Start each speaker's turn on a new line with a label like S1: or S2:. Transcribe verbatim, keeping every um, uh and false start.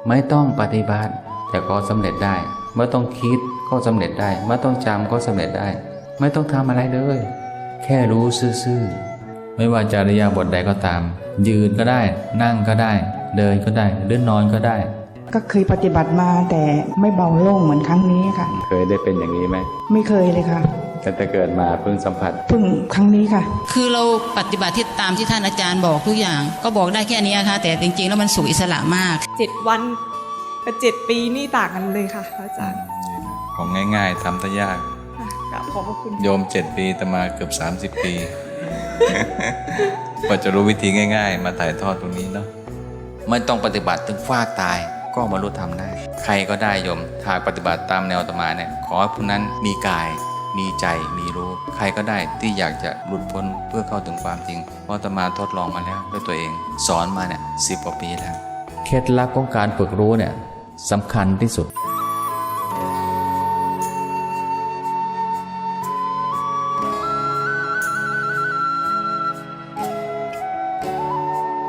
S1: ไม่ต้องปฏิบัติแต่ก็สำเร็จได้ไม่ต้องคิดก็สำเร็จได้ไม่ต้องจำก็สำเร็จได้ไม่ต้องทำอะไรเลยแค่รู้ซื่อๆไม่ว่าจะอิริยาบถใดก็ตามยืนก็ได้นั่งก็ได้เดินก็ได้หรือนอนก็ได้
S2: ก็เคยปฏิบัติมาแต่ไม่เบาโล่งเหมือนครั้งนี้ค่ะ
S1: เคยได้เป็นอย่างนี้ไหม
S2: ไม่เคยเลยค่ะ
S1: ตั้งแต่เกิดมาเพิ่งสัมผัส
S2: เพิ่งครั้งนี้ค่ะ
S3: คือเราปฏิบัติที่ตามที่ท่านอาจารย์บอกทุกอย่างก็บอกได้แค่นี้ค่ะแต่จริงๆแล้วมันสู่อิสระมาก
S4: เจ็ดวันกับเจ็ดปีนี่ต่างกันเลยค่ะอาจารย์
S5: ของง่ายๆทำได้ยาก
S4: ขอบพระคุณ
S5: โยมเจ็ดปีแต่มาเกือบสามสิบปีกว่าจะรู้วิธีง่ายๆมาถ่ายทอดตรงนี้เนาะไม่ต้องปฏิบัติถึงฟากตายก็บรรลุธรรมได้ใครก็ได้โยมหากปฏิบัติตามแนวอาตมาเนี่ยขอให้ผู้นั้นมีกายมีใจมีรู้ใครก็ได้ที่อยากจะหลุดพ้นเพื่อเข้าถึงความจริงเพราะอาตมาทดลองมาแล้วด้วยตัวเองสอนมาเนี่ยสิบกว่าปีแล้วเคล็ดลับของการฝึกรู้เนี่ยสำคัญที่สุด